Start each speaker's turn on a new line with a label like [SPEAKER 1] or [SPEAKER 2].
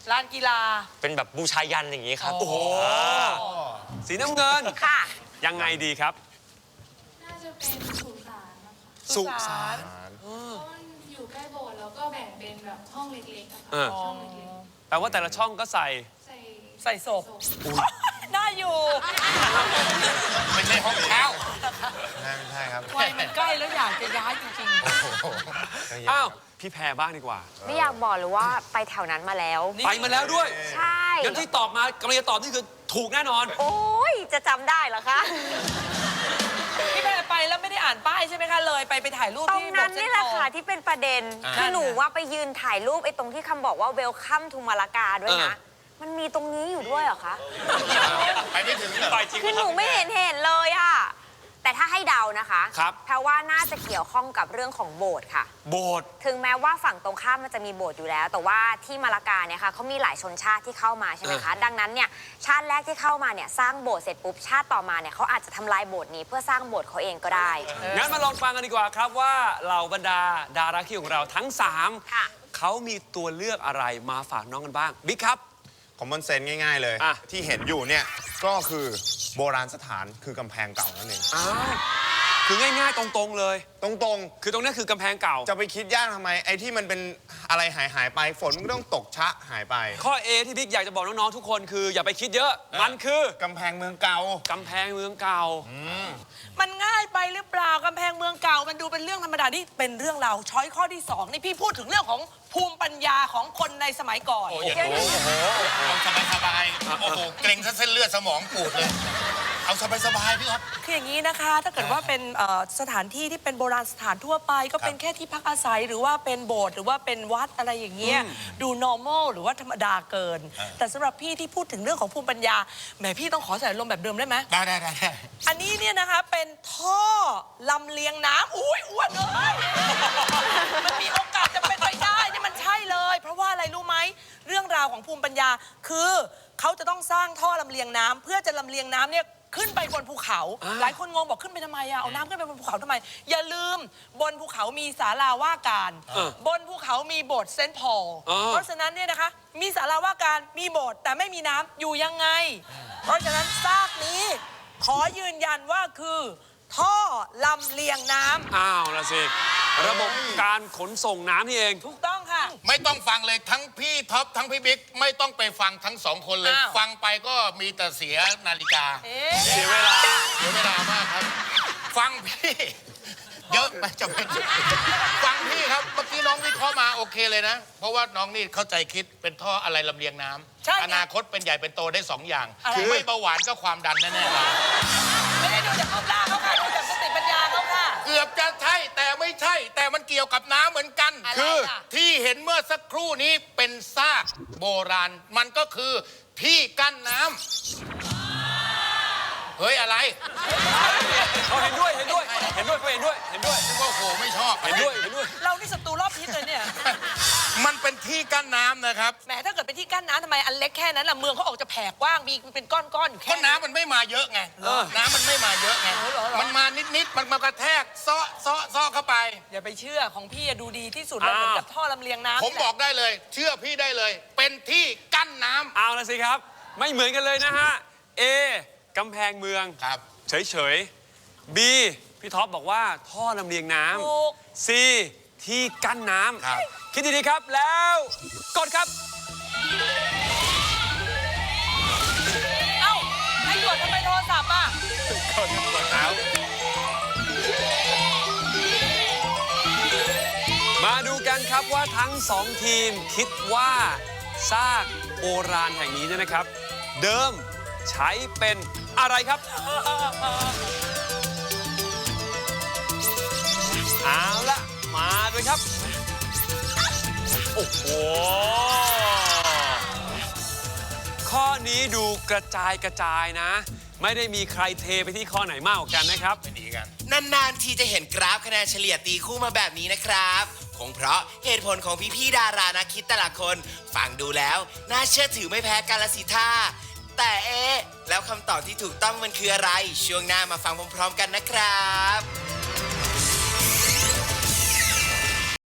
[SPEAKER 1] ลานกีฬา
[SPEAKER 2] เป็นแบบบูชายันอย่างนี้ครับโอ้โห
[SPEAKER 3] สีน้ำเงิน
[SPEAKER 4] ค่ะ
[SPEAKER 3] ยังไงดีครับ
[SPEAKER 5] น่าจะเป็นสุสานนะคะ
[SPEAKER 3] สุสาน
[SPEAKER 5] เพราะมันอยู่ใกล้โบสถ์แล้วก็แบ่งเป็นแบบห้องเล็กๆอะ
[SPEAKER 3] เอ
[SPEAKER 5] ค่ะ
[SPEAKER 3] อ
[SPEAKER 5] ช่องเล็ก
[SPEAKER 3] แปลว่าแต่ละช่องก็ใส่
[SPEAKER 5] ๆ
[SPEAKER 1] ใส่ศพได้อยู่
[SPEAKER 6] ไม่ใช่ห้องเช่า
[SPEAKER 7] ไม่ใช่ครับ
[SPEAKER 1] วัยมันใกล้แล้วอยากจะย้ายจริง
[SPEAKER 3] อ้าว พี่แพรบ้างดีกว่า
[SPEAKER 4] ไม่อยากบอกเลยว่าไปแถวนั้นมาแล้ว
[SPEAKER 3] ไปมาแล้วด้วย
[SPEAKER 4] ใช่
[SPEAKER 3] งั้นที่ตอบมากำลังจะตอบนี่คือถูกแน่นอน
[SPEAKER 4] โอ้ยจะจำได้เหรอคะ
[SPEAKER 1] ๆพี่แพรไปแล้วไม่ได้อ่านป้ายใช่ไหมคะเลยไปถ่ายรูป
[SPEAKER 4] ตรง
[SPEAKER 1] ที่
[SPEAKER 4] นั้น
[SPEAKER 1] โบสถ์เซ็
[SPEAKER 4] นี่
[SPEAKER 1] น
[SPEAKER 4] แห
[SPEAKER 1] ท
[SPEAKER 4] ละ
[SPEAKER 1] รัล
[SPEAKER 4] ค่ะที่เป็นประเด็น คือหนูว่าไปยืนถ่ายรูปไอ้ตรงที่คำบอกว่า Welcome to มาลากาด้วยนะ มันมีตรงนี้อยู่ด้วยเหรอคะ
[SPEAKER 6] ไปไม่ถึงเหรอ
[SPEAKER 3] ไปจริง
[SPEAKER 4] คือหนูไม่เห็นเลยอะแต่ถ้าให้เดานะคะ
[SPEAKER 3] ครับ
[SPEAKER 4] เพราะว่าน่าจะเกี่ยวข้องกับเรื่องของโบสถ์ค่ะ
[SPEAKER 3] โบสถ์
[SPEAKER 4] ถึงแม้ว่าฝั่งตรงข้ามมันจะมีโบสถ์อยู่แล้ว แต่ว่าที่มาลากาเนี่ยค่ะเขามีหลายชนชาติที่เข้ามาใช่ไหมคะ ดังนั้นเนี่ยชาติแรกที่เข้ามาเนี่ยสร้างโบสถ์เสร็จปุ๊บชาติต่อมาเนี่ยเขาอาจจะทำลายโบสถ์นี้เพื่อสร้างโบสถ์เขาเองก็ได้
[SPEAKER 3] งั้นมาลองฟังกันดีกว่าครับว่าเหล่าบรรดาดาราคิวของเราทั้ง
[SPEAKER 4] ค่ะ
[SPEAKER 3] 3เขามีตัวเลือกอะไรมาฝากน้องกันบ้างบิ๊กครับ
[SPEAKER 7] คอมมอนเซนส์ง่ายๆเลย
[SPEAKER 3] อ่ะ
[SPEAKER 7] ที่เห็นอยู่เนี่ย ก็คือโบราณสถานคือกำแพงเก่านั่นเอง
[SPEAKER 3] อ้าวคือง่ายๆตรงๆเลย
[SPEAKER 7] ตรง
[SPEAKER 3] คือตรงนี้คือกำแพงเก่า
[SPEAKER 7] ๆ จะไปคิดยากทำไม ไอ้ที่มันเป็นอะไรหายไปฝนมันก็ต้องตกชะหายไป
[SPEAKER 3] ข้อ A ที่บิ๊กอยากจะบอกน้องๆทุกคนคืออย่าไปคิดเยอะ มันคือก
[SPEAKER 7] ำแพงเมืองเก่า
[SPEAKER 3] กำแพงเมืองเก่า
[SPEAKER 1] มันง่ายไปหรือเปล่ากำแพงเมืองเก่ามันดูเป็นเรื่องธรรมดานี่เป็นเรื่องราวช้อยข้อที่สองนี่พี่พูดถึงเรื่องของภูมิปัญญาของคนในสมัยก่อน
[SPEAKER 6] เอาสบายๆโอ้โห เกรงซะเส้นเลือดสมองปูดเลย เอาสบายๆพี่ครับ
[SPEAKER 1] คืออย่างนี้นะคะ ถ้าเกิดว่าเป็นสถานที่ที่เป็นโบราณสถานทั่วไป ก็เป็นแค่ที่พักอาศัยหรือว่าเป็นโบสถ์หรือว่าเป็นวัดอะไรอย่างเงี้ยดู normal หรือว่าธรรมดาเกิน แต่สำหรับพี่ที่พูดถึงเรื่องของภูมิปัญญาแหมพี่ต้องขอใส่ลมณ์แบบเดิมได้ไหม
[SPEAKER 6] ได้
[SPEAKER 1] อันนี้เนี่ยนะคะเป็นท่อลำเลียงน้ำอุ้ยอ้วนเลยมันมีโอกาสจะเป็นไปได้นี่มันใช่เลย เพราะว่าอะไรรู้ไหมเรื่องราวของภูมิปัญญาคือเขาจะต้องสร้างท่อลำเลียงน้ำเพื่อจะลำเลียงน้ำเนี่ยขึ้นไปบนภูเขา หลายคนงงบอกขึ้นไปทำไมอะเอาน้ำขึ้นไปบนภูเขาทำไม อย่าลืมบนภูเขามีศาลาว่าการบนภูเขามีโบสถ์เซนต์พอลเพราะฉะนั้นเนี่ยนะคะมีศาลาว่าการมีโบสถ์แต่ไม่มีน้ำอยู่ยังไง เพราะฉะนั้นซากนี้ขอยืนยันว่าคือท่อลำเลียงน้ำ
[SPEAKER 3] อ้าวละสิ ระบบการขนส่งน้ำนี่เอง
[SPEAKER 1] ถูกต้องค่ะ
[SPEAKER 6] ไม่ต้องฟังเลยทั้งพี่ท็อปทั้งพี่บิ๊กไม่ต้องไปฟังทั้งสองคนเลย
[SPEAKER 1] อ้าว
[SPEAKER 6] ฟังไปก็มีแต่เสียนาฬิกา
[SPEAKER 1] เอ๊ะ
[SPEAKER 3] เสียเวลา
[SPEAKER 6] เสียเวลามากครับ ฟังพี่ เยอะไปจะเป็นฟังพี่ครับเมื่อกี้น้องวิเคราะห์มาโอเคเลยนะ เพราะว่าน้องนี่เข้าใจคิดเป็นท่ออะไรลำเลียงน้ำ
[SPEAKER 1] ใช่ไง
[SPEAKER 6] อนาคตเป็นใหญ่เป็นโตได้สองอย่าง
[SPEAKER 1] อะไร
[SPEAKER 6] คือไม่เบาหวานก็ความดันแน่ๆเลย
[SPEAKER 1] ไม่ได้ดูจากรูปร่างเขาค่ะดูจากสติปัญญาเขาค่ะ
[SPEAKER 6] เกือบจะใช่แต่ไม่ใช่ แต่มันเกี่ยวกับน้ำเหมือนกัน
[SPEAKER 1] อะไร
[SPEAKER 6] คือ
[SPEAKER 1] ล่ะ
[SPEAKER 6] ที่เห็นเมื่อสักครู่นี้เป็นซากโบราณ มันก็คือที่กั้นน้ำเฮ้ยอะไร
[SPEAKER 3] เขาเห็นด้วย เห็นด้วยเขาเห็นด้วย เห็นด้วย
[SPEAKER 6] นึกว่าโหไม่ชอบ
[SPEAKER 3] เห็นด้วย เห็นด้วย
[SPEAKER 1] เรานี่ศัตรูรอบทิศเลยเนี่ย
[SPEAKER 6] มันเป็นที่กั้นน้ำนะครับ
[SPEAKER 1] แหมถ้าเกิดเป็นที่กั้นน้ำทำไมอันเล็กแค่นั้นล่ะเมืองเขาออกจะแผ่กว้างมีเป็นก้อนๆอยู่
[SPEAKER 6] เพ
[SPEAKER 1] แค่
[SPEAKER 6] ราะน้ำมันไม่มาเยอะไง น้ำมันไม่มาเยอะไง มันมานิดๆ มันมากระแทกซ้อเข้าไป
[SPEAKER 1] อย่าไปเชื่อของพี่อะดูดีที่สุดเลยเหมือนกับท่อลำเลียงน้ำ
[SPEAKER 6] ผม
[SPEAKER 1] นี่แหละ
[SPEAKER 6] บอกได้เลย เชื่อพี่ได้เลย เป็นที่กั้นน้ำ
[SPEAKER 3] เอาละสิครับ ไม่เหมือนกันเลยนะฮะ A กำแพงเมือง
[SPEAKER 6] ครับ
[SPEAKER 3] เฉยๆ B พี่ท็อปบอกว่าท่อลำเลียงน้
[SPEAKER 1] ถูก
[SPEAKER 3] ำ C ที่กั้นน้
[SPEAKER 6] ครับ
[SPEAKER 3] ำ คิดดีๆครับแล้วกดครับ
[SPEAKER 1] เอ้าให้ตรวจทำไมโทรศัพท์อ่ะ
[SPEAKER 6] กดเท้า
[SPEAKER 3] มาดูกันครับว่าทั้งสองทีมคิดว่าซากโบราณแห่งนี้เนี่ยนะครับ เดิมใช้เป็นอะไรครับ เอาละมาด้วยครับ โอ้โห ข้อนี้ดูกระจายนะ ไม่ได้มีใครเทไปที่ข้อไหนมากกว่ากันนะครับ
[SPEAKER 6] ไม่หนีกัน
[SPEAKER 8] นานๆทีจะเห็นกราฟคะแนนเฉลี่ยตีคู่มาแบบนี้นะครับ คงเพราะเหตุผลของพี่ๆดารานักคิดแต่ละคน ฟังดูแล้ว น่าเชื่อถือไม่แพ้กันละสิท่าแต่แล้วคำตอบที่ถูกต้องมันคืออะไร ช่วงหน้ามาฟังพร้อมๆกันนะครับ